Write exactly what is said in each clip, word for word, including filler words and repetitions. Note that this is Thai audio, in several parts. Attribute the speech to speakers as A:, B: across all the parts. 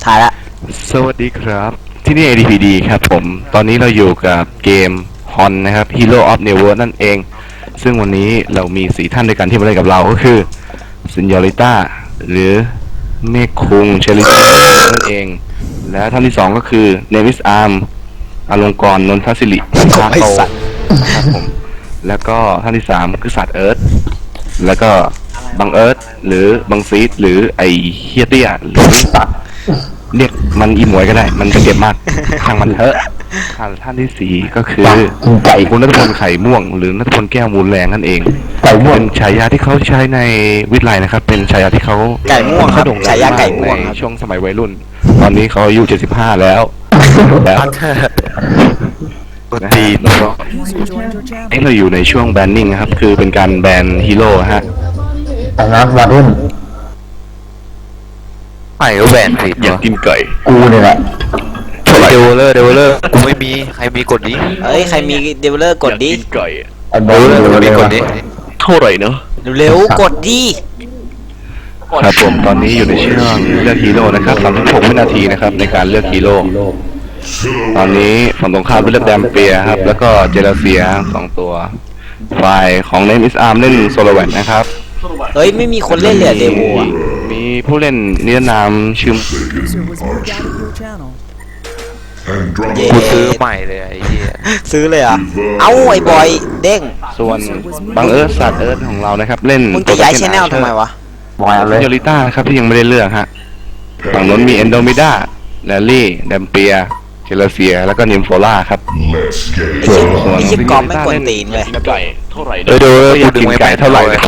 A: ถ่ายละ
B: สวัสดีครับที่นี่ เอ ดี พี ดี ครับผมตอนนี้เราอยู่กับเกมฮอนนะครับ Hero of Never นั่นเองซึ่งวันนี้เรามีสี่ท่านด้วยกันที่มาเล่นกับเราก็คือซินยอริต้าหรือเมฆคุงเชลิตนั่นเองและท่านที่สองก็คือเนวิสอาร์มอลงกรณ์นนทศิริชาโตครับผมแล้วก็ท่านที่สามคือสัตว์เอิร์ธแล้วก็บังเอิร์ธหรือบังซีดหรือไอเฮียเตี้ยหรือตัดเรียกมันอีหมวยก็ได้มันจะเจ็บมากทางมันเถอะท่านที่สี่ก็คือไก่คุณณัฐพลไข่ม่วงหรือณัฐพลแก้วมูลแรงนั่นเองเป็นฉายาที่เขาใช้ในวิทย์ไลน์นะครับเป็นฉายาที่เขา
A: ไก่ม่วงครับฉายาไก่ม่วง
B: ในช่วงสมัยวัยรุ่นตอนนี้เขาอายุเจ็ดสิบห้าแล้วแล้วตีนี่เราอยู่ในช่วงแบนนิ่งนะครับคือเป็นการแบนฮีโร่ฮะ
C: แต่นะวัยรุ่น
B: ไอ้ก็แบนสิอยากกินไก่
C: กูเนี่ยแหละ
B: เดวเลอร์เดวเลอร์กูไม่มีใครมีกดนี้
A: เอ้ยใครมีเดเวลเลอร์กดดิ
B: ไก่
C: เดวเลอร์
B: มีกดนี้เท่าไหร่เนาะ
A: เร็วกดดิ
B: ครับผมตอนนี้อยู่ในช่วงเลือกฮีโร่นะครับสามสิบหกวินาทีนะครับในการเลือกฮีโร่ตอนนี้ฝั่งตรงข้ามเป็นเลือกแดมเปียครับแล้วก็เจลาเซียสองตัวฝ่ายของเนมิสอาร์มเล่นโซโลแวนนะครับ
A: เฮ้ยไม่มีคนเล่นเลยเดโวอ่ะ
B: มีผู้เล่นนิรนามชื่อกูซื้อใหม่เลยไอ้เหี้ย
A: ซื้อเลยอ่ะเอ้าไอ้บอยเด้ง
B: ส่วนบังเอิร์ธสัตว์เอิร์ธของเรานะครับเล่น
A: มึงจะย้ายชแนลทำไมวะ
C: บอยเลย
B: โยลิต้าครับที่ยังไม่ได้เลือกฮะฝั่งนู้นมีเอนโดมิด้าแลลี่แดมเปียเจลาเซียแล้วก็นิมโฟล่าครับ
A: ไอ้ชิปกอล์ฟไม่กวนตีนเลย
B: ไก่เท่าไหร่เออดูอยากกินไก่เท่าไหร่เลย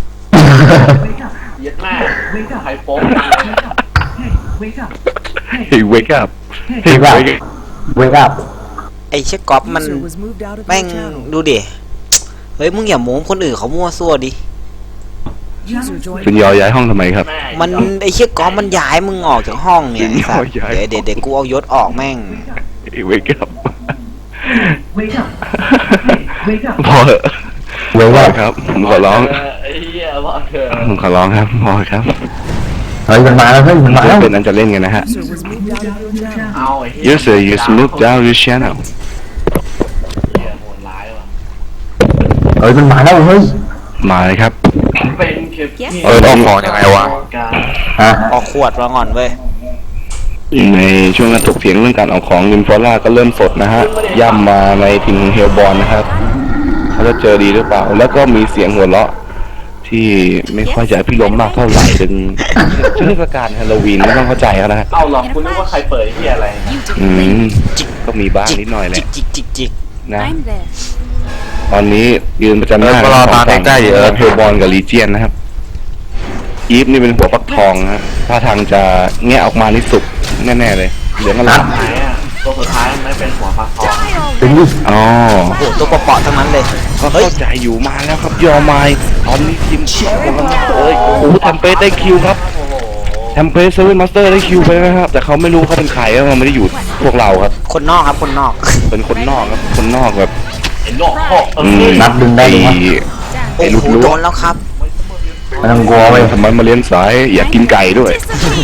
D: เย็ดแม่ไฮโป๊ก
B: เฮ้ยเวกับเฮ้ยเวกับ
C: เวกับ
A: ไอ้ชิปกอล์ฟมันแม่งดูดิเฮ้ยมึงอย่าโม้คนอื่นเขามั่วซั่วดิ
B: เป็นยอย้ายห้องทำไมครับ
A: มันไอ้ชิปกอล์ฟมันย้ายมึงออกจากห้องเนี่ยเดี๋ยวเดี๋ยวเดี๋ยวกูเอายศออกแม่ง
B: เวกับพอเหอะเวกับครับผมขอร้องผมขอร้องครับพอครับ
C: เฮ้ยมันมาแล้วเฮ้ยมันมาแล้ว
B: เป็นอันจะเล่นกันนะฮะ User use move down your channel
C: เฮ้ยมันมาแล้วเฮ้ย
B: มาเลยครับ
D: เออ
B: ออกของยังไงวะ
C: ฮะ
A: ออกขวดมาก่อนเว้ย
B: ในช่วงการถกเถียงเรื่องการออกของนิมฟอร่าก็เริ่มสดนะฮะย่ำมาในทีมเฮลบอลนะครับเขาจะเจอดีหรือเปล่าแล้วก็มีเสียงหัวเราะที่ไม่ค่อยจะพิรมมากเท่าไหร่ถึงเทศกาลฮาโลวีนไม่ต้องเข้าใจเขานะฮะ
D: เอาหรอคุณนึกว่าใครเปิดที่อะไร
B: อืมก็มีบ้างนิดหน่อยแหละ
A: จิกจิกจิก
B: นะตอนนี้ยืนประจันหน้าของฝั่งเฮลบอลกับลีเจียนนะครับอีฟนี่เป็นหัวฟักทองฮะถ้าทางจะแงะออกมานี่สุกแน่ๆเลยเหลืองอร่าม
D: ตัวสุดท้ายไม่เป็นหัวฟักทอง
C: เป็นดิ
B: อ๋อ
A: โอ้โหตัวเปาะๆทั้งนั้นเลย
B: ก็เข้าใจอยู่มาแล้วครับยอมายตอนนี้ทีมเชียร์กันเอ้ยโอ้โหแทมเปสได้คิวครับแทมเปสเซเว่นมาสเตอร์ได้คิวไปนะครับแต่เขาไม่รู้เขาเป็นใครแล้วมันไม่ได้อยู่พวกเราครับ
A: คนนอกครับคนนอก
B: เป็นคนนอกครับคนนอกแบบ
D: เห็นนอกพ่อเอ
C: อนับดึงได้ไหม
A: โอ้โหโดนแล้วครับ
C: ไม่ต้องกลัวไป
B: ทำไมมาเลี้ยงสายอยากกินไก่ด้วย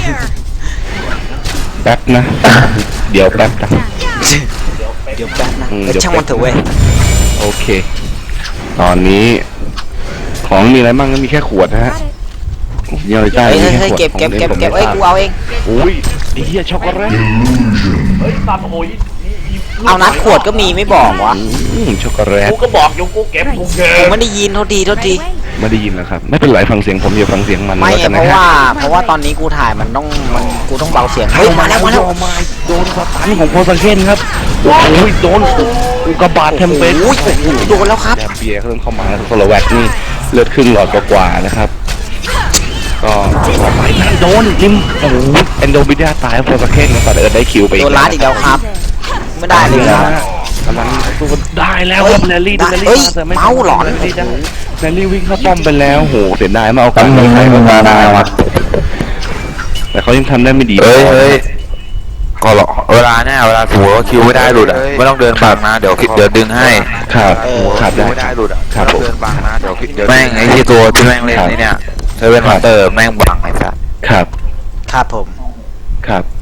B: แป๊บนะเดี๋ยวแป๊บนะ
A: เดี๋ยวแป๊บนะช่างมันเถอะเว้ย
B: โอเคตอนนี้ของมีอะไรบ้างก็มีแค่ขวดนะฮะย่อยใจ
A: เฮ้ยเก็บเก็บเก็บเก็บเอ้ยกูเอาเอง
B: อุ้ยไอ้เหี้ยช็อกโกแลต
D: เฮ้ยตามโอ้ย
A: เอานัดขวดก็มีไม่บอกวะ
B: ช็อกโกแลต
D: กูก็บอกอยู่กูเก็บกูเก็บ
A: ผมไม่ได้ยินเท่าทีเท่าที
B: ไม่ได้ยินนะครับไม่เป็นไรฟังเสียงผมอย่าฟังเสียงมัน
A: ไม่เพราะว่าเพราะว่าตอนนี้กูถ่ายมันต้องมันกูต้องเบาเสียงเฮ้ยมาแล้วมาแล้ว
B: โดนสตันของโพสเคนครับโอ้ยโดนอุกบาทเทมเปส
A: โอ้ยโดนแล้วครับ
B: แดมเบียเริ่มเข้ามาแล้วโซโลแวตนี่เลือดครึ่งหลอดกว่านะครับก็ต่อไปนั่นโดนจิมโอ้โหเอนโดบิดาตายโพสเคนก็เดินได้คิวไป
A: โดนลัดอีกแล้วครับไม่ได้เลยครับ
B: กำลังตัวได้แล้วครับแนลลี่แนลลี่
A: มาเมาหลอน
B: แนลลี่วิ่งเข้าป้อมไปแล้วโหเสียดายมาเอากัน
C: ไม่ให้มาได้วะ
B: แต่เขายังทำได้ไม่ดี
E: เฮ้ยเฮ้ยก็หรอเวลาเนี่ยเวลาสมมติว่าคิวไม่ได้หลุดอ่ะไม่ต้องเดินบังนะเดี๋ยวเดี๋ยวดึงให้
B: ครับครับ
E: ได้ไม่ได้หลุดอ่ะ
B: ครับผม
E: เดินบังนะเดี๋ยวเดี๋ยวแม่งไอ้ที่ตัวที่แม่งเล่นนี่เนี่ยเซเว่นมาสเตอร์แม่งบังไอ้สัส
B: ครับ
A: ครับผม
B: ครับ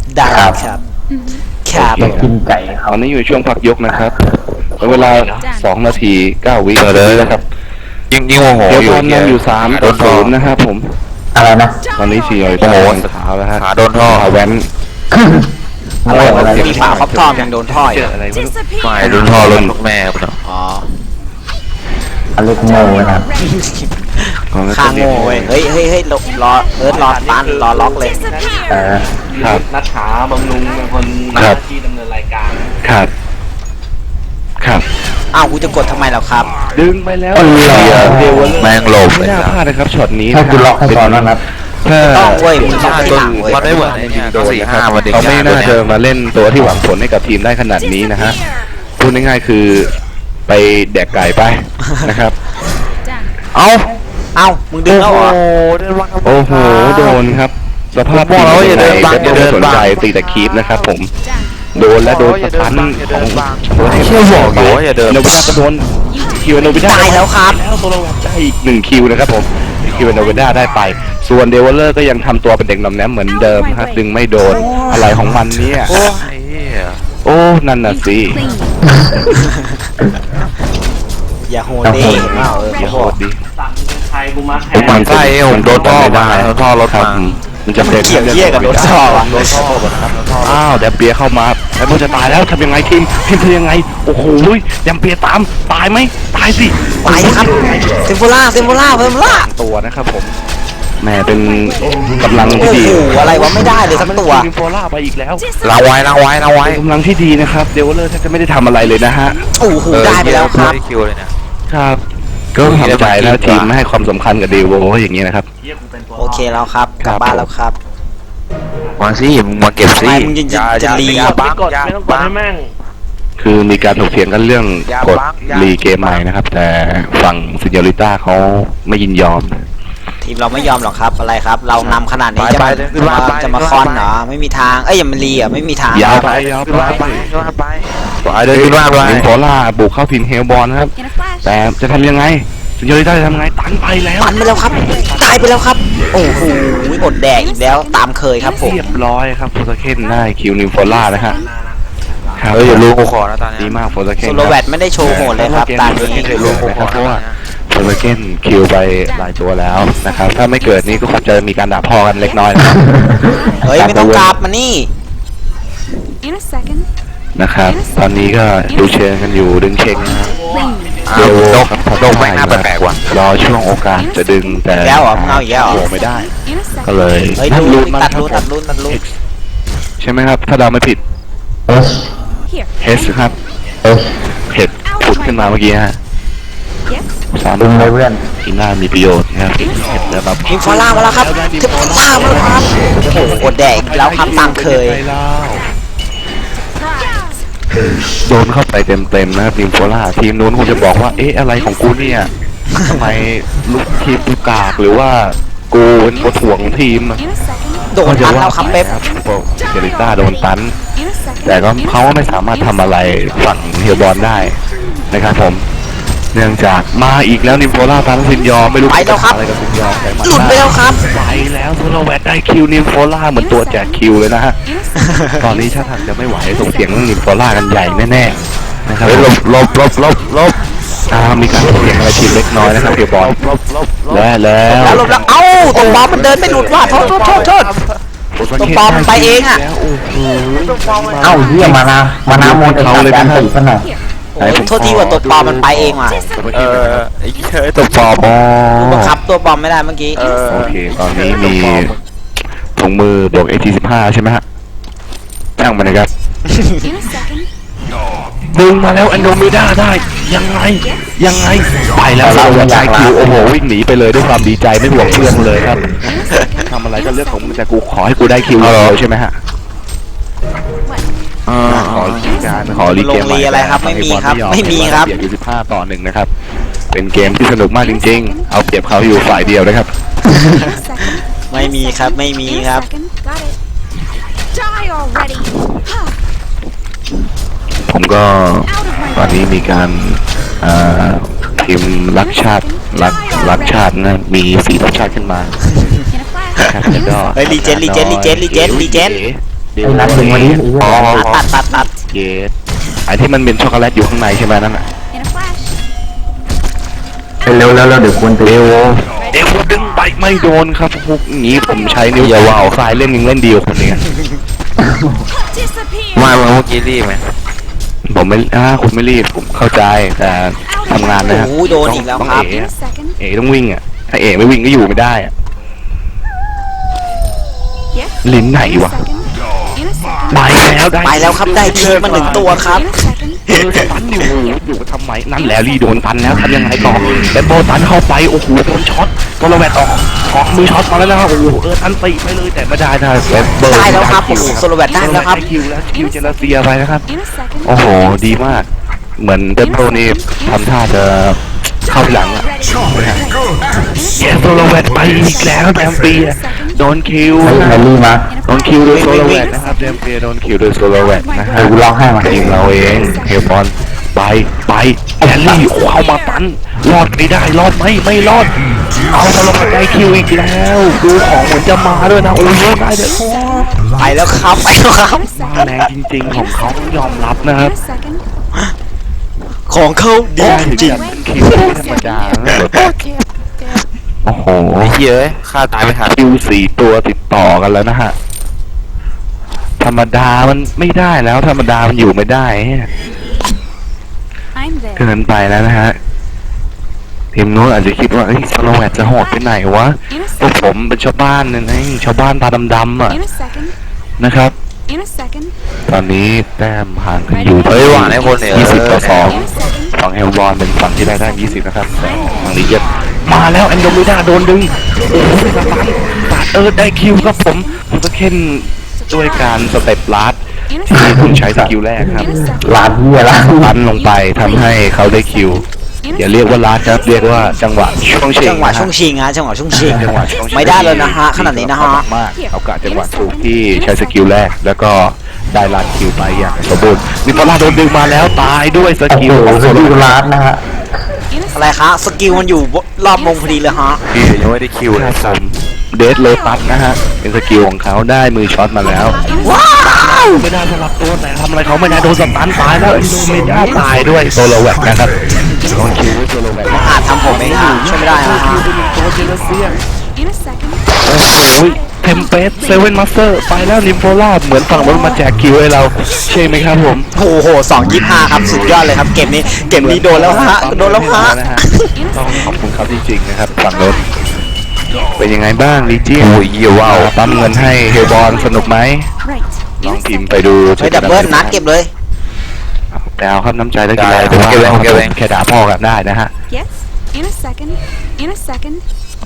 A: ได้ครับครับ
C: อยากกินไก่ค
B: ต
C: รับ
B: อนนี้อยู่ช่วงพักยกนะครับเวลาสองนาทีเก้าวิเลยนะครับ
E: ยิ่งยิ่งโมโห
B: เดี๋ยว
E: อยู่
B: บอลนำอยู่สามต่อศูนย์นะครับผม
C: อะไรนะ
B: ตอนนี้สี่อย
E: โอ้โห
B: เท้าแล้วฮะ
E: ขาโดนท่อ
B: ขาแว้น
C: อะไรอะไร
A: มีฝาครอบทอมยังโดนท่อ
B: เจ
A: อยู่
B: ออะไรไม่รู้
E: ไม่โดนท่อรถลูกแม่กูเนาะ
A: อ๋อ
C: อะไรโง่นะ
A: ข้างโง่เว้ยเฮ้ยเฮ้ยเฮ้ยรอรอเอิร์ธรอตันรอล็อกเลย
C: เออ
B: ครับ
D: นัทขาบำรุงเป็นคนหน้าที่ดำเนินรายการ
B: ครับครับ
A: อ้าวกูจะกดทำไมแล้วครับ
B: ดึงไปแล้ว
C: เออ
B: เดี๋ยว
E: แม่งหลบ
B: ไม่
E: เลย
B: น่า
E: นะ
B: พลาดนะครับช็อตนี้
C: ให้คุณล็อกให้ก่อนนะนัด
B: ถ้า
A: ต้องเว้ยมึงต้องไปหลังเว้ย
E: มันไม่เหมือนไอ้เนี่ยก็สี่ห้ามันเด็ก
B: เขาไม่
E: ยาก
B: น่า
E: ด้วย
B: จะ
E: เนี่ย
B: มาเล่นตัวที่หวังผลให้กับทีมได้ขนาดนี้นะฮะพูดง่ายๆคือไปแดกไก่ไปนะครับ
E: เอ้า
A: เอ้ามึงดึงแล้วเหรอ
E: เดินวาง
B: โอ้โหโดนครับสภาพ
E: ผมบอกแล้วว่าอย่าเดินบัง
B: ทีม
E: อย่าเดิน
B: ไม่สน
E: บัง
B: ใจตีแต่คีปนะครับผมโดนและโดนสตันของโดน
E: เชื่อบอกอยู่ว่าอย่าเดิน
B: โนบิดาก็โดนคิวโนบิดา
A: ตายแล้วครับ
B: แล้วโซโลแวตได้อีกหนึ่งคิวนะครับผมคิวโนบิดาได้ไป ส่วนเดวลเลอร์ก็ยังทำตัวเป็นเด็กหนอมแนมเหมือนเดิมครับดึงไม่โดนอะไรของมันเนี่ย
E: โอ้ไอ้เหี้ย
B: โอ้นั่นน่ะสิ
A: อย่าโหดดิเห็นเปล่าเออ
B: อย่า
A: โห
B: โห
A: ด
B: ดดิ
D: สั่งใครกูมาแท
E: ผมหมัน
D: น
E: ไส้ผมโดนท่อมาโดนท่อรถ
B: ครับ
E: มา
B: มันจะเป็น
A: เกี่ยวเยี่ยกับรถท่อวะ
B: โดนท่อหมดครับอ้าวแดมเปียเข้ามาแล้วมันจะตายแล้วทำยังไงทีมทีมทำยังไงโอ้โหแดมเปียตามตายไหมตายสิ
A: ไปครับเซมโฟล่าเซมโฟล่าเซมโฟล่า
B: ตัวนะครับผมแหมเป็นกำลัง
A: โอ้
B: ที่
A: โห
B: ดี
A: อะไรวะไม่ได้เลยสักตัว
B: ทีมโฟล่าไปอีกแล้ว
E: ล้างไว้ล้างไว้ล้างไว้
B: เป็นกำลังที่ดีนะครับเดวเลอร์แทบจะไม่ได้ทำอะไรเลยนะฮะ
A: โอ้โหได้ไปแล้วครับ
E: ได้คิวเลยเนี่ย
B: ครับก็ทำใจแล้วทีมไม่ให้ความสำคัญกับเดวอย่างนี้นะครับ
D: เยี่ยกูเป็นตัว
A: โอเคแล้วครับกลับบ้านแล้วครับ
E: มาสิมึงมาเก็บสิ
A: ไม่มึงจะ
E: อย่า
A: จะ
E: อย่า
A: รี
E: อย่า
D: ไม่
E: บัง
D: กด
E: อย่า
D: ไม่ต้องกด
E: บัง
D: ให้แม่ง
B: คือมีการถกเถียงกันเรื่อง
E: อย่าก
B: ด
E: บังอย่า
B: รีเกมใหม่นะครับ แต่ฝั่งซินยอริต้าเขาไม่ยินยอม
A: ทีมเราไม่ยอมหรอกครับอะไรครับ เรานำขนาดนี้จะ
E: ไป
A: มา
E: ไปขึ้นมา
A: จะ
E: ไป
A: จะมา
E: ขึ้นมา
A: คอน
E: ไป
A: เหรอไม่มีทางเอ้ยอย่ามารีอ่ะไม่มีทาง
B: ยาวไปยาว
E: ขึ้น
B: ไป
E: มาไปขึ้นมาไปไปเดินขึ้นมาไป
B: ลิงโพล่าบุกเข้าถิ่นเฮลบอลนะครับ แต่จะทำยังไงซินยอริต้าจะทำยังไงตันไปแล้ว
A: ปันไปแล้วครับตายไปแล้วครับ โอ้โหอดแดกอีกแล้วตามเคยครับผม
B: เรียบร้อยครับโฟสเคนได้คิวนิวโพล่านะฮะครับ
E: เอออย่าลูกกูขอนะตอนนี้
B: ดีมากโฟสเคน
A: โซโลแวตไม่ได้โชว์โหดเลยครับตามนี้
B: เดี๋ยวลูกผมขอเพราะว่าโฟสเคนคิวไปหลายตัวแล้วนะครับถ้าไม่เกิดนี่ก็คงจะมีการด่าพ่อกันเล็กน้อยนะครับ
A: เฮ้ยไม่ต้องกลับมานี่
F: In a second.
B: นะครับ ตอนนี้ก็ดูเชิงกันอยู่ดึงเชงนะครับ
E: อ้าวโดกโดกแม่งหน้าแปลกๆว่ะ
B: รอช่วงโอกาสจะดึงแต่
A: อีกแล้วเหรอมึงเอาอีกแล้วเหรอ
B: โอ้ไม่ได้
F: In a
B: ก็
F: second.
B: เลย
A: เฮ้ย
B: นั่น
A: ดู
B: รูนมัน
A: ตัด
B: ครับ
A: รูนตัดรูนตัดรูน
B: ใช่ไหมครับ ถ้าเราไม่ผิด
C: เอส
F: Here.
B: เฮสครับ
C: เอส
B: เห็ดผุดขึ้นมาเมื่อกี้ฮะ
F: Yes.
B: สาม
C: ดึงเลยเพื่อน
B: ที่น่ามีประโยชน์นะครับเห็ดแล้วแบบ
A: ทีมฟอล่ามาแล้วครับทีมฟอล่ามาแล้วครับโอ้โหอดแดกอีกแล้วครับตามเคย
B: โดนเข้าไปเต็มๆนะครับทีมโฟล่าทีมนู้นคงจะบอกว่าเอ๊ะอะไรของกูเนี่ยทำไมลูกทีมกูกากหรือว่ากูเป็นตัวถ่วงของทีม
F: In a second.
A: โดนตันแล้วครับเป๊ป
B: โปเจริต้าโดนตัน
F: In a second.
B: แต่ก็เขาก็ไม่สามารถทำอะไรฝั่งเฮียบอลได้นะครับผม เนื่องจากมาอีกแล้วนิมโพล่าตันซินยอไม่รู้
A: ไปแล้วครับ
B: อะไรกับซินยอแต่มา
A: หลุดไปแล้วครับ
B: ไปแล้วโซโลแวตได้คิวนิมโพล่าเหมือนตัวแจกคิวเลยนะฮะ
F: In a second.
B: ตอนนี้ถ้าทางจะไม่ไหวส่งเสียงเรื่องนิมโพล่ากันใหญ่แน่ๆนะครับ
E: เฮ้ยหลบหลบหลบหลบหลบ
B: อ่ามีการถกเถียงอะไรทีมเล็กน้อยนะครับเฮียบอล
E: หลบหลบหลบ
B: และแล้ว
A: แล้วหลบแล้วเอ้าตรงบอลมันเดินไม่หลุดว่ะโทษโทษโทษโทษ ตัวปลอมมันไปเองอะ
B: แล้วโอ้โห
C: เอ้าเฮียมานามานาโมนเขาเลยการตีขนาด
A: โอ้โหโทษทีว่าตัวปลอมมันไปเองว่ะ
E: เออไอ้เฮ้ยตัวปลอม
B: อ๋อ
A: บังคับตัวปลอมไม่ได้เมื่อกี้
E: เออ
B: โอเค ตอนนี้มีถุงมือบวก เอ ที สิบห้า ใช่ไหมฮะตั้งมานะครับ
F: In a second.
B: ดึงมาแล้วอันโดมิด้าได้ ยังไง ยังไง ไปแล้วเราจะได้คิว โอ้โห วิ่งหนีไปเลยด้วยความดีใจไม่ห่วงเพื่อนเลยครับ ทำอะไรก็เรื่องของมึงแต่กูขอให้กูได้คิวเลยใช่ไหมฮะ
E: เออ
B: ขอรีการขอรีเกม
A: ลงรีอะไรครับไม่มีครับไม่มีครับ
B: เปรียบอยู่สิบห้าต่อหนึ่งนะครับ เป็นเกมที่สนุกมากจริงๆ เอาเปรียบเขาอยู่ฝ่ายเดียวนะครับ
F: In a second.
A: ไม่มีครับไม่มี
F: In
A: ค
F: a
A: รับ
F: second. Got it. Die already.
B: ผมก็
F: Out of
B: ตอน
F: my
B: นี้
F: way.
B: มีการอ่าทีมรักชาติรักรักชาตินะมีสีทัพชาติขึ้นมา
F: In a flash.
B: นะครับแล้วก็
A: เฮ้ยรีเจนรีเจนรีเจนรีเจนรีเจน
B: เด
C: ไอ้
B: โว
C: นัดดึงมาดิไอ้เหี้ย
B: อ๋อ
A: ตัดตัดตัด
B: เกตไอที่มันเป็นช็อกโกแลตอยู่ข้างในใช่ไหมนั่นน่ะ
F: In a flash.
C: เร็วๆแล้วๆเดี๋ยวควร
B: เด
C: ตี
B: โวเดโวดึงไปไม่โดนครับพวกนี้ผมใช้นิ้วอย่าว่าวสายเล่นยังเล่นดีกว่าคนนี้
F: Disappear.
E: มาเมื่อกี้รีบไหม
B: ผมไม่อ่าคุณไม่รีบผมเข้าใจแต่ทำงานนะฮะ
A: โอ้โหโดนอีกแล้ว
B: ต้อง
A: ครับ
B: เอ๋
F: In a
B: อะ
F: second.
B: เอ๋ต้องวิ่งอ่ะถ้าเอ๋ไม่วิ่งก็อยู่ไม่ได้อ่ะ
F: Yes.
B: ลิ้นไหน
F: In a
B: วะ
F: second. In a second.
B: ไปแล้วได้
A: ไปแล้วครับได้ทีมาหนึ่งตัวครับ
F: In a second.
B: เออตันอยู่อยู่ทำไมนั่นแหละรีโดนตันแล้วทำยังไงต่อแต่โบตันเข้าไปโอ้โหโดนช็อตตัวระแวดออกออกมือช็อตมาแล้วนะครับโอ้โหเออตันติไปเลยแต่ไม่ได้นะแต่เบอร์
A: ได้แล้วครับโอ้โหโซโลแวตได้แล้วครับ
B: คิวแล้วคิวเจลาเซียไปนะครับ
F: In a second.
B: โอ้โหดีมากเหมือนเดบโบนี่ทำท่าจะเข้าหลังอ่ะเยสโซโลแวตไปอีกแล้วแดมเปียโดนคิว
C: ไอ้แมรี่มา
B: โดนคิวโดยโซโลแวตนะครับแดมเปียโดนคิวโดยโซโลแวตนะฮะ
C: เดี๋ยวกูร้องให้มา
B: ทีมเราเองเฮลบอลไปไปแอนลี่เข้ามาตันรอดไม่ได้รอดไหมไม่รอดเอาโซโลแวตได้คิวอีกแล้วดูของเหมือนจะมาด้วยนะโอ้ยได้เด็ด
A: ไปแล้วครับไปแล้วครับ
B: มาแรงจริงๆของเขาต้องยอมรับนะค
F: In
B: รับ
F: a second.
A: ของเขาดี
B: ได้
A: จ
B: จริ
A: ริ
B: ง
A: ง
B: ๆคิวไม่ธรรมดานะ โอ้โห
E: ไอ้เหี้ยเอ้ยฆ่าตายไปหา
B: คิวสี่ตัวติดต่อกันแล้วนะฮะ ธรรมดามันไม่ได้แล้วธรรมดามันอยู่ไม่ได้ฮะ
F: I'm there.
B: เกินไปแล้วนะฮะทีมนู้นอาจจะคิดว่าเฮ้ยสโลแวตจะโหดไปไหนวะ
F: In a
B: พวก
F: second.
B: ผมเป็นชาวบ้านเนี่ยนะชาวบ้านตาดำๆอ่ะ
F: In a second.
B: นะครับ
F: In a second.
B: ตอนนี้แต้มห่างกันอยู่
E: เฮ้ยหวานให้คนเนี่ย
B: ยี่สิบต่อสอง
F: In a second.
B: ฝั่งเฮลบอลเป็นฝั่งที่ได้ได้ยี่สิบนะครับแต่ฝั่งลีเจ็ดมาแล้วแอนโดมิดาโดนดึงโอ้โหสตันตัดเออได้คิวครับผมผมก็เค้นด้วยการสเต็ปลัด
F: In a
B: ที่
F: second.
B: คุณใช้สกิลแรกครับ
F: In a second.
C: ลาดเหี้ยละ
B: ลันลงไปทำให้เขาได้คิว
F: In
B: อย่า
F: a
B: เรียกว่าลัดครับเรียกว่าจังหวะช่วงเชง
A: จังหวะ
B: นฮ
A: ช่วงชิงฮะจังหวะช่วงชิง
B: จังหวะช่วงเชง
A: ไม่ได้เลยนะฮะขนาดนี้นะฮะ
B: มากเขากะจังหวะถูกที่ใช้สกิลแรกแล้วก็ได้ลัดคิวไปอย่างสมบูรณ์นิโคล่าโดนดึงมาแล้วตายด้วยส
C: โอ้
B: กิ
C: โห
B: ลของโซ
C: ส
B: โล
C: กิล
B: แวต
C: ลาดนะฮะ
F: In a
A: อะไรคะสกิลมันอยู่รอบวงพอดีเลยฮะ
E: พี่ยังไม่ได้คิว
B: ค
E: เล
B: รั
E: ย
B: บผมเดสโลตัสนะฮะเป็นสกิลของเขาได้มือช็อตมาแล้ว
A: ว้าว
B: ไม่ได้สลับตัวแต่ทำอะไรเขาไม่ได้โดนสตันตายแล้วไอ้โดไม่ได้ตายด้วยโซโลแวตนะครับโดนคิวด้วยโซโลแวต
A: อาจทำผมเองฮะช่วยไม่ได้นะฮะ
B: ตัวเจลเซีย
F: In a second.
B: โอ้โหเทมเพสเซเว่นมาสเตอร์ไปแล้วนิมโฟล่าเหมือนฝั่งมันมาแจกคิวให้เราใช่ไหมครับผม
A: โอ้โหสองยี่ห้าครับสุดยอดเลยครับเกมนี้เกมนี้โดนแล้วฮะโดนแล้วฮะ
B: นะฮะต้องขอบคุณเขาจริงๆนะครับฝั่งโน้นเป็นยังไงบ้างลีเจียน
E: โอ้ยเหี้ยว้าว
B: ปั๊มเงินให้เฮลบอลสนุกไหม
F: Right.
B: ล
F: In
B: อง
F: a
B: พิมพ์
F: second.
B: ไปดู
A: ไปดับเบิลนัดเก็บเลย
B: แต่เอาครับน้ำใจแล้วกิน
E: ได้
B: ได้
E: ผมเก็บเองผมเก็บเอง
B: แค่ด่าพ่อกันได้นะฮะ
F: Yes. In a second. In a second.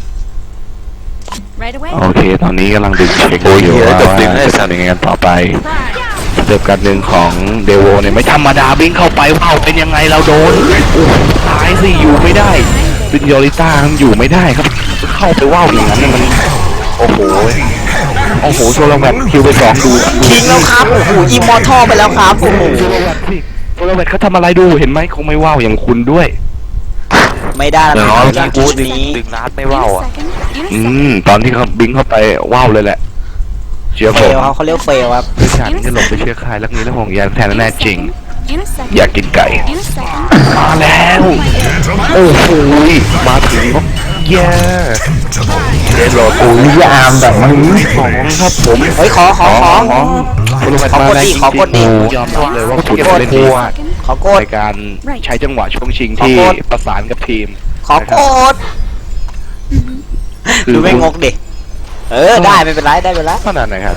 F: Right away.
B: โอเคตอนนี้กำลังดึงเช็คอยู่ว่าจะทำยังไงกันต่อไปสเต็ปการดึงของเดโวเนี่ยไม่ธรรมดาวิ่งเข้าไปว้าวเป็นยังไงเราโดนโอ้ตายสิอยู่ไม่ได้ซินโยริต้ามันอยู่ไม่ได้ครับเข้าไปว้าวอย่างนั้นเนี่ยมันโอ้โหโอ้โหโซโลแวตคิวไปสองดู
A: ทิ้งแล้วครับโอ้โหอิมมอร์ทัลไปแล้วครับโอ้โห
B: โซโลแวตสิโซโลแวตเขาทำอะไรดูเห็นไหมคงไม่ว้าวอย่างคุณด้วย
A: ไม่ได้แล้ว
E: เดี๋ยว
A: นะ
E: น้อง
A: จาก
E: กู
A: จุด
E: ดึง
A: นี้
E: ดึงนัดไม่
F: In
E: ว่าว
F: a
E: อ่ะ
F: second. In a
B: อื
F: second.
B: มตอนที่เขาบิงเข้าไปว้าวเลยแหละเชื่อ
A: เฟ
B: ผม
A: ลครับเขาเรียกเฟลครับ
B: ดิฉันจะหลบไปเชื่อใครแล้วนี้แล้วห่วงใยแทนแน่จริง
F: In a second.
B: อยากกินไก่
F: In a second.
B: มาแล้ว โอ้โหมาถึงเย้เดนโรด
C: โอ้ยยามแบบมัน
B: สองครับผม
A: เฮ้ยขอขอขอ
B: คุณรู้ไหม
A: ขอกดดิขอกดดิ
B: ยอมรับเลยว่าคุณเล่นดีมาก
A: ขอกด
B: ในการใช้จังหวะช่วงชิง
A: ขอ
B: ที่
A: กด
B: ประสานกับทีม
A: ขอกดดูไม่งกดิเออได้ไม่เป็นไรได้เป็นไร
B: ขนาดไหนครับ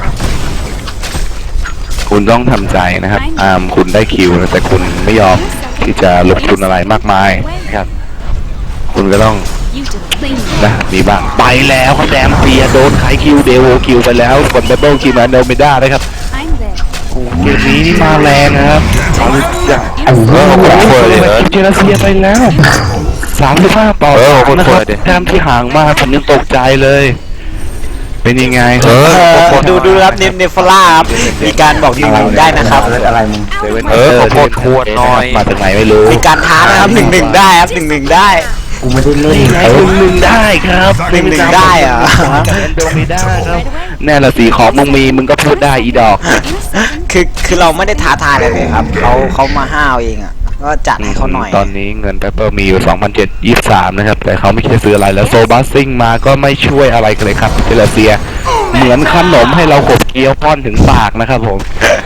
B: คุณต้องทำใจนะครับอามคุณได้คิวนะแต่คุณไม่ยอมที่จะลงทุนอะไรมากมายนะครับ คุณก็ต้อง
F: You did clean.
B: นะมีบ้างไปแล้วครับแดมเปียโดนไขคิวเดโวคิวไปแล้วกดดับเบิลคิวมาโดไม่ได้นะครับ
F: I'm there.
B: โอ้เกมนี้นี่มาแรงนะครับเอาอย่าง
C: ไอ้เหี้ย
B: โอ้โห
C: เนี่ย
B: เลยเจลาเซียไปแล้วสามสิบห้าต่อ
E: เออ
B: สาม
E: คน
B: นะ
E: เปิ
B: ครับ
E: ดดิ
B: แต้มที่ห่างมากผมยังตกใจเลย เป็นยังไง
E: เออ
A: เออดูดูครับเนมเนฟล่าครับมีการบอกดีๆได้นะครับ
C: อะไรมึง
B: เซเว่น
E: เออขอโทษขวดหน่อย
B: มาจากไหนไม่รู้
A: มีการท้านะครับหนึ่งหนึ่งได้ครับหนึ่งหนึ่งได้
C: กูไม่ได้เล่น
B: นี่ไง
C: เอ
B: ห
C: อ
B: นึ่งหนึ่งได้ครับ
A: หนึ่งหนึ่งได้เหรอ
B: กับแอนโดมิด้าครับแน่ละสีของมึงมีมึงก็พูดได้อีดอก
F: In a second.
A: คือคือเราไม่ได้ท้าทายอะไรเลยครับเขาเขามาห้าวเองอ่ะก็จัดให้เขาหน่อย
B: ตอนนี้เงินเปเปอร์มีอยู่ สองพันเจ็ดร้อยยี่สิบสาม นะครับ แต่เขาไม่คิดจะซื้ออะไรแล้วโซบัสซิงมาก็ไม่ช่วยอะไรกันเลยครับเซเลเซีย เหมือนขนมให้เราขบเคี้ยวป้อนถึงปากนะครับผม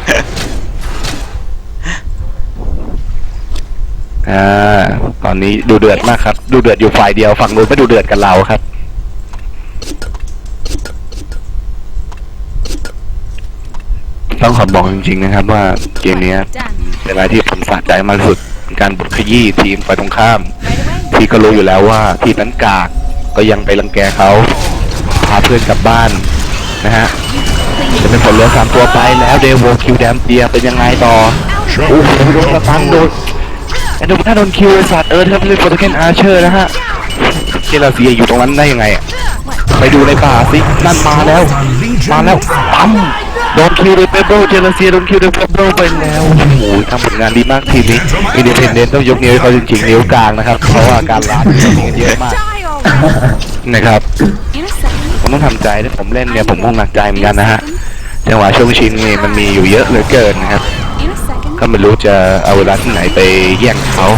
B: อ่า ตอนนี้ดูเดือดมากครับ ดูเดือดอยู่ฝ่ายเดียวฝั่งนู้นไม่ดูเดือดกันเราครับ ต้องขอบอกจริงๆนะครับว่าเกมเนี้ย
F: Done.
B: เป็นอะไรที่ผมสะใจมากที่สุดเป็นการบุกขยี้ทีมฝ่ายตรงข้าม
F: Right away.
B: ที่ก็รู้อยู่แล้วว่าทีมนั้นกากก็ยังไปรังแกเขาพาเพื่อนกลับบ้านนะฮะจะเป็นผลเหลือสามตัวไปแล้วเดวโวคิวแดมเปียเป็นยังไงต่อโอ้โหโดนสตันโดนแอนโดมิน่าโดนคิวไอ้สัตว์เออถ้าเป็นโปรตุเกสอาร์เชอร์นะฮะเจลาเซียอยู่ตรงนั้นได้ยังไงอะไปดูในป่าสินั่นมาแล้วมาแล้วปั๊มโดนคิวโดยเปเปิลเจลาเซียโดนคิวโดยเปเปิลไปแล้วโอ้โหทำผลงานดีมากทีมนี้อินดิเพนเดนต์ต้องยกนิ้วให้เขาจริงๆนิ้วกลางนะครับเพราะว่าการล้านมีกันเยอะมาก
F: Die already.
B: นะครับ
F: In a second.
B: ผมต้องทำใจถ้าผมเล่นเนี่ยผมคงหนักใจเหมือนกันนะฮะจังหวะช่วงชิงนี่มันมีอยู่เยอะเหลือเกินนะครับ
F: In a second.
B: ก็ไม่รู้จะเอาเวลาที่ไหนไปแย่งเขา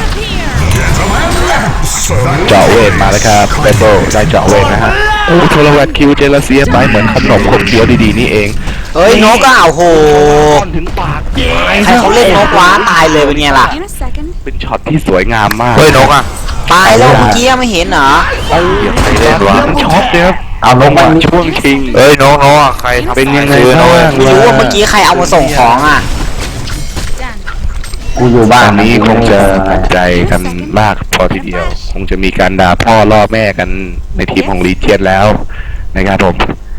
B: เจาะเวทมาแล้วครับเปโป้ได้เจาะเวทนะฮะโอ้โทรวัตคิวเจลาเซียไปเหมือนขนมขบเคี้ยวดีๆนี่เอง
A: เฮ้ยนกก็เอาโห
B: ก้อนถึงปาก
A: ใครเขาเล่นนกว้าตายเลยเป็นไงล่ะ
F: In a second.
B: เป็นช็อตที่สวยงามมาก
E: เฮ้ยนกอ่ะ
A: ตายแล้วเมื่อกี้ไม่เห็นเหรอ
B: เดี๋ยวไปเล่นวะช็อตเลยครับ
C: เอาลงมา
B: ช่วงชิง
E: เฮ้ยนกนกอ่ะใครทำ
B: เป็นยังไง
E: ซื้อนะ
B: บ้าง
E: เว้ย
A: ไม่รู้ว่าเมื่อกี้ใครเอามาส่งของอ่ะ
F: Done.
C: กูอยู่บ้า
B: ต
C: น
B: อนนี้คงจะหนักใจกันมากพอทีเดียว คงจะมีการด่าพ่อล่อแม่กันในทีมของลีเจียนแล้วนะครับผม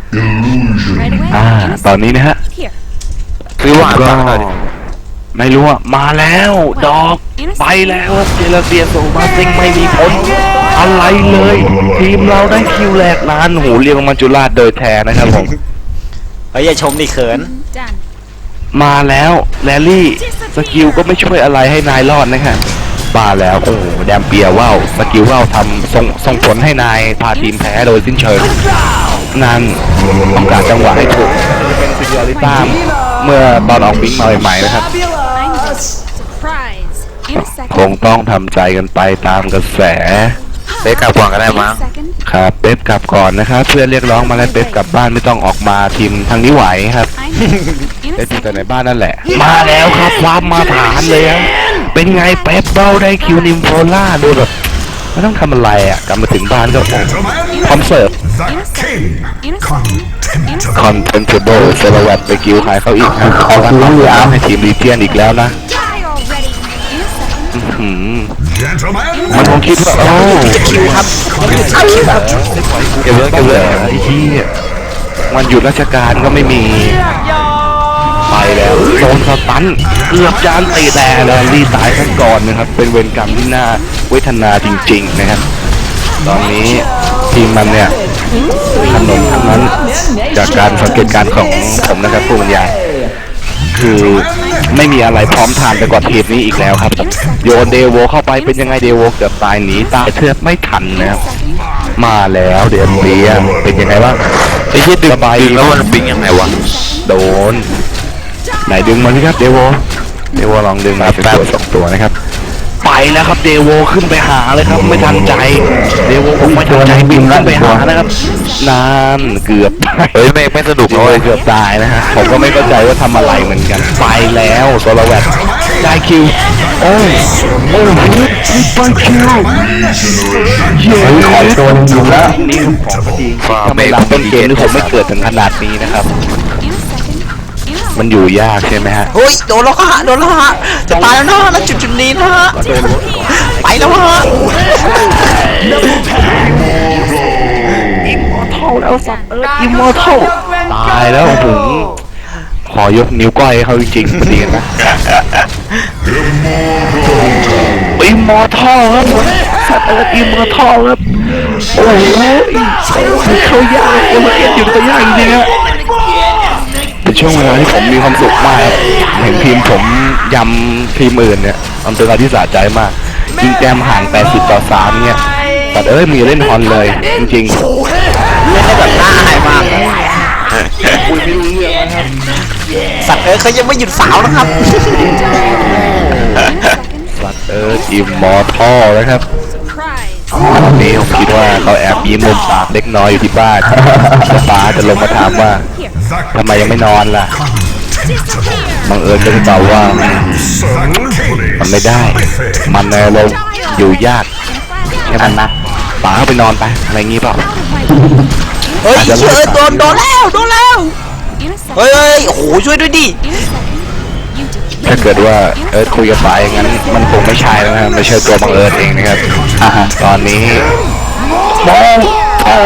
F: Right away.
B: อ่า
F: In a
B: ตอนนี้นะฮะ
F: Here.
E: ซื้อหวาน
B: ก็
E: บ้างหน่อยดิ
B: ไม่รู้อ่ะมาแล้วดอกไปแล้วเจลาเซียโซมาซิงไม่มีผลอะไรเลย ทีมเราได้คิวแรกนานหูเรียกมาจุฬาโดยแท้นะครับผม
A: เฮ้ยอย่าชมดิเขิน
F: Done.
B: มาแล้วแรลลี่สกิลก็ไม่ช่วยอะไรให้นายรอดนะครับมาแล้วโอ้โหแดมเปียว่าวสกิลว่าวทำส่งส่งผลให้นายพาทีมแพ้โดยสิ้นเชิงนั่นต้องการจังหวะให้ถูกจะเป็นซิเดียริต้าเมื่อตอนออกบิงมาใหม่ๆนะครับ
F: I'm the surprise. In a
B: คง
F: second.
B: ต้องทำใจกันไปตามกระแส
E: เป๊กกลับก่อนก็ได้
F: In
E: มั้ง
F: a second.
B: ครับเป๊ปกลับก่อนนะครับเพื่อนเรียกร้องมาแล้วเป๊ปกลับบ้านไม่ต้องออกมาทีมทางนี้ไหวครับ
F: I'm in
B: เป๊
F: a
B: ปอยู่แต่ใน
F: second.
B: บ้านนั่นแหละ มาแล้วครับความมาฐานเลยครับเป็นไงเป๊ปเบ้าได้คิวนิมโฟล่าดูแบบไม่ต้องทำอะไรอ่ะกลับมาถึงบ้านก็พร้อมเสิร์ฟ
F: In a second. In a second. In a
B: คอนเทนเบิลเซลวัตไปกิวขายเขาอีกนะเขาก็ทำให้ทีมลีเจียนอีกแล้วนะ
F: Die already. In a second.
B: อื้อหือมันคงคิดว่าโอ้คิวครับเก็บเลยเก็บเลยไอ้ที่วันหยุดราชการก็ไม่มีไปแล้วโดนสตันเกือบจานตีแต่แล้วรีตายขั้นก่อนนะครับเป็นเวรกรรมที่น่าเวทนาจริง ๆนะครับ ตอนนี้ทีมมันเนี่ยขนมทั้งนั้นจากการสังเกตการณ์ของผมนะครับผู้บรรยายคือไม่มีอะไรพร้อมทานไปกว่าทีมนี้อีกแล้วครับโยนเดโวเข้าไปเป็นยังไงเดโวเกือบตายหนีตายเทือกไม่ทันนะครับ
F: second.
B: มาแล้วเดี๋ยวเบียเป็นยังไงบ้าง
E: ไอ้ที่ดึง
B: สบาย
E: ดึ
B: ดี
E: งแล้วมันปิ้งยังไงวะ
B: โดนไหนดึงมาสิครับเดโวเดโวลองดึงมาเป็นตัวสองตัวนะครับไปแล้วครับเดโวขึ้นไปหาเลยครับไม่ทันใจเดโวคงไม่ทันใจบินขึ้นไปหานะครับนานเกือบ
E: เฮ้ยไม่ไม่สนุก
B: โด
E: เลย ย
B: เกือบตายนะฮะผมก็ไม่เข้าใจว่าทำอะไรเหมือนกันไปแล้วโซลาแวตได้คิวโอ้ยโอ้ยไปคิวเย้
C: เฮ้ยขอตัวหนึงอยู่แล้ว
B: นี่คือของดีถ้าไม่รับต้นเกมนี่ผมไม่เกิดถึงขนาดนี้นะครับ
F: In a second. In a
B: มันอยู่ยากใช่ไหมฮะ
A: เฮ้ยโดนแล้วฮะโดนแล้วฮะจะตายแล้วนะแล้วจุดจุดนี้นะฮะไปแล้วฮะ
B: อิมมอร์ทัลแล้วสัตว์เอออิมมอร์ทัลตายแล้วผมขอยกนิ้วก้อยให้เขาจริงๆดีกันนะอิมมอร์ทัลครับผมสัตว์เอออิมมอร์ทัลครับโอ้โหเขายากเลยมันเก็บอยู่ตัวยากจริงๆฮะเป็นช่วงเวลาที่ผมมีความสุขมากครับเห็นทีมผมยำทีมอื่นเนี่ยมันเป็นอะไรที่สะใจมากยิงแต้มห่างแปดสิบต่อสามเนี่ยแต่เอ้ยมึงอย่าเล่นฮอนเลยจริง
A: เล่นได้แบบน่าอายมากสัตว์เอ้ยเขายังไม่หยุดสาวนะครับ
B: ๆสัตว์เอ้ยอิมมอร์ทัลนะครับ
F: Surprise.
B: วันนี้ผมคิดว่าเขาแอบยิ้มมุมปากเล็กน้อยอยู่ที่บ้านแล้วป้าจะลงมาถามว่าทำไมยังไม่นอนล่ะบังเอิญก็จะตอบว่ามันไม่ได้ มันในลมณ์อยู่ยากแค่นั้นนะป๋าเข้าไปนอนไปอะไรงี้เปล่า
A: เฮ้ยเชื่อโดนโดนแล้วโดนแล้ว
F: In a second.
A: เฮ้ยเฮ้ยโอ้โหช่วยด้วยดิ
F: In a second. You defeat.
B: ถ้าเกิดว่าเอิร์ธคุยกับป๋าอย่างนั้นมันคงไม่ใช่แล้วนะไม่ใช่ตัวบังเอิญเองนะครับอ่าฮะตอนนี้โอ้โห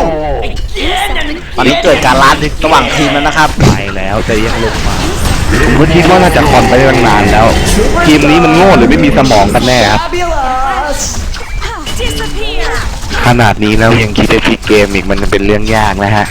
A: ตอนนี้เกิดการล้านระหว่างทีมแล้วนะครับ
B: ไปแล้วแต่ยังลงมาผมก็คิดว่าน่าจะคอนไปได้ตั้งนานแล้ว ทีมนี้มันโง่หรือไม่มีสมองกันแน่ครับ
F: Disappear.
B: ขนาดนี้แล้วยังคิดจะพลิกเกมอีกมันเป็นเรื่องยากนะฮะ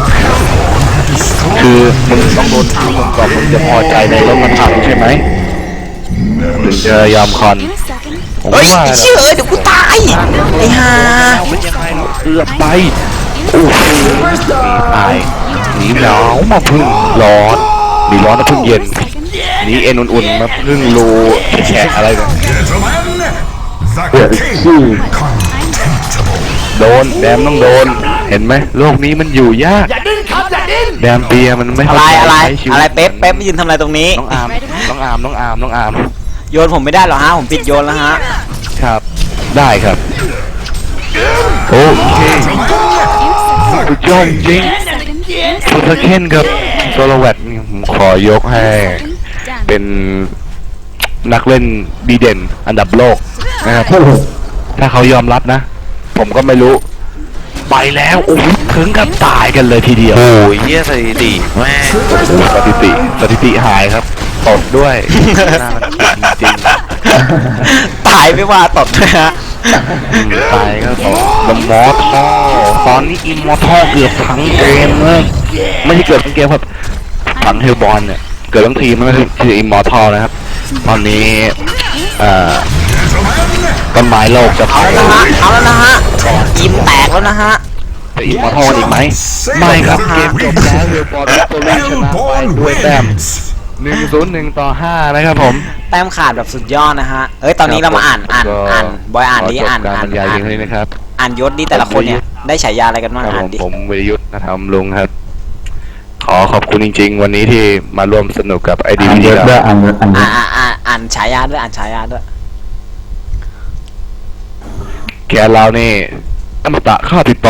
B: คือมึงต้องโดนทีมมึงก่อนมึงจะพอใจในรถมันถังใช่ไหมถึงจะยอมคอน
F: In a second.
B: ผม
A: เฮ้ย
B: ว่า
A: ไอ้เชื่อเอ้ยเดี๋ยวกูตายไอ้ห่า
B: เป็นยังไงเราเกือบไปโอ้โหหนีตายหนีหนาวมาพึ่งร้อนหนีร้อนมาพึ่งเย็น
F: Second.
B: หนีเอ็นอุ่นๆมาพึ่งรูแฉะอะไรกัน
C: เดือดขี้
B: โดนแดมต้องโดน เห็นไหมโลกนี้มันอยู่ยากแดมเปียมันไม่
A: อะไร
B: เข้าใจ
A: อะไร
B: ใช้ชีวิต
A: อะไรเป๊ปเป๊ปมายืนทำอะไรตรงนี้
B: น้องอาร์มน้องอาร์มน้องอาร์มน้องอาร์ม
A: โยนผมไม่ได้หรอฮะผมปิดโยนแล้วฮะ
B: ครับได้ครับโอเคสุดยอดจริง
F: Second.
B: สุดเคนกับโซโลแวตนี่ผมขอยกให้
F: Done.
B: เป็นนักเล่นดีเด่นอันดับโลกนะครับถ้าเขายอมรับนะ ผมก็ไม่รู้ ไปแล้วโอ้โหถึงกับตายกันเลยทีเดียว
E: โอ้ยเหี้ยสถิติแม่ง
B: สถิติสถิติหายครับตดด้วยน่ารักจริง
A: ตายไม่ว่าตดด้วยฮะ
B: ๆอืมตายก็ตดลมมอท่อตอนนี้อิมมอท่อเกือบทั้งเกมเลยไม่ใช่เกือบทั้งเกมครับทั้งเฮลบอลเนี่ยเกือบทั้งทีมนั่นคือคืออิมมอท่อนะครับ ตอนนี้เอ่อต้นไม้โลกจะเผา
A: เอาแล้วนะฮะเอาแล้วนะฮะอิมแตกแล้วนะฮะ
B: จะอิมมอท่ออีกไหมไม่ครับเกมจบแล้วเฮลบอลวิกตอรี่ชนะไปด้วยแต้มหนึ่งศูนย์หนึ่งต่อห้านะครับผม
A: แต้มขาดแบบสุดยอดนะฮะเอ้ยตอนนี้เรามาอ่านอ่านอ่านบอยอ่านดิอ่าน
B: การ
A: อ่า
B: บ
A: น
B: รรยาย
A: อ่า
B: เพี
A: น
B: ยงเท่านี้นะครับ
A: อ่านยศดิแต่ละคนเนี่ยได้ฉายาอะไรกันบ้าง
B: ครับผ
A: อ่าน
B: ม
A: ดิ
B: ผมวิรยุทธ์นะครับลุงครับ ขอขอบคุณจริงๆ วันนี้ที่มาร่วมสนุกกับไอดี
C: อัน
B: พี
C: เย
B: ดี
C: อะด้วยอันเยอะอันเย
A: อ่า
C: อะ
A: อ่าอ่าอ่านฉายาด้วยอ่านฉายาด้วย
B: แกเรานี่อมตะค่าติดต่อ